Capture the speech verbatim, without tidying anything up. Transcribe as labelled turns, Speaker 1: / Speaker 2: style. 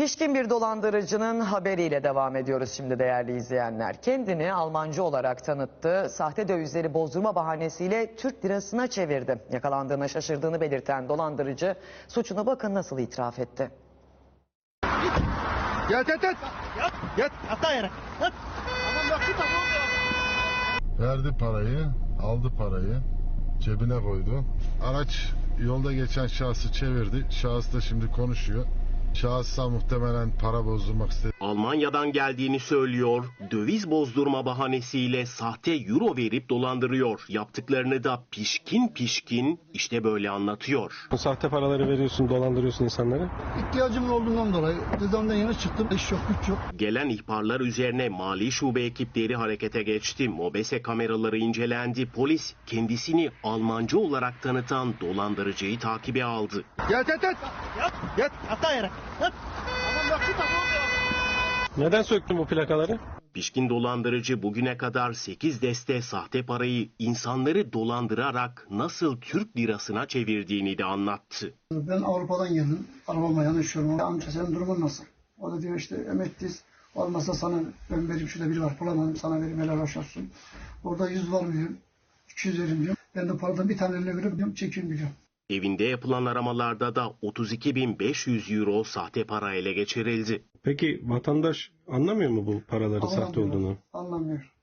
Speaker 1: Pişkin bir dolandırıcının haberiyle devam ediyoruz şimdi değerli izleyenler. Kendini Almancı olarak tanıttı. Sahte dövizleri bozdurma bahanesiyle Türk lirasına çevirdi. Yakalandığına şaşırdığını belirten dolandırıcı suçunu bakın nasıl itiraf etti.
Speaker 2: Yat yat yat. Yat. Yat. Yat yere. Yat.
Speaker 3: Verdi parayı, aldı parayı, cebine koydu. Araç yolda geçen şahsı çevirdi. Şahıs da şimdi konuşuyor. Şahısa muhtemelen para bozdurmak istedi.
Speaker 4: Almanya'dan geldiğini söylüyor, döviz bozdurma bahanesiyle sahte euro verip dolandırıyor. Yaptıklarını da pişkin pişkin işte böyle anlatıyor.
Speaker 5: Bu sahte paraları veriyorsun, dolandırıyorsun insanları.
Speaker 2: İhtiyacım olduğundan dolayı cezamdan yeni çıktım. İş yok, güç yok.
Speaker 4: Gelen ihbarlar üzerine mali şube ekipleri harekete geçti. MOBESE kameraları incelendi. Polis kendisini Almancı olarak tanıtan dolandırıcıyı takibe aldı.
Speaker 2: Yat yat yat. Yat. Yat. Yat yere. Yat.
Speaker 5: Neden söktün bu plakaları?
Speaker 4: Pişkin dolandırıcı bugüne kadar sekiz deste sahte parayı insanları dolandırarak nasıl Türk lirasına çevirdiğini de anlattı.
Speaker 6: Ben Avrupa'dan geldim. Arabama yanaşıyorum. Amca senin durumun nasıl? O da diyor işte emekliyiz. Olmasa sana ben vereyim, şurada biri var bulamadım sana vereyim, helal hoş olsun. Orada yüz var mı diyorum. iki yüz verim diyorum. Ben de paradan bir tane eline verip diyorum, çekin diyorum.
Speaker 4: Evinde yapılan aramalarda da otuz iki bin beş yüz euro sahte para ele geçirildi.
Speaker 5: Peki vatandaş anlamıyor mu bu paraların sahte
Speaker 6: Anlamıyor,
Speaker 5: olduğunu?
Speaker 6: Anlamıyor.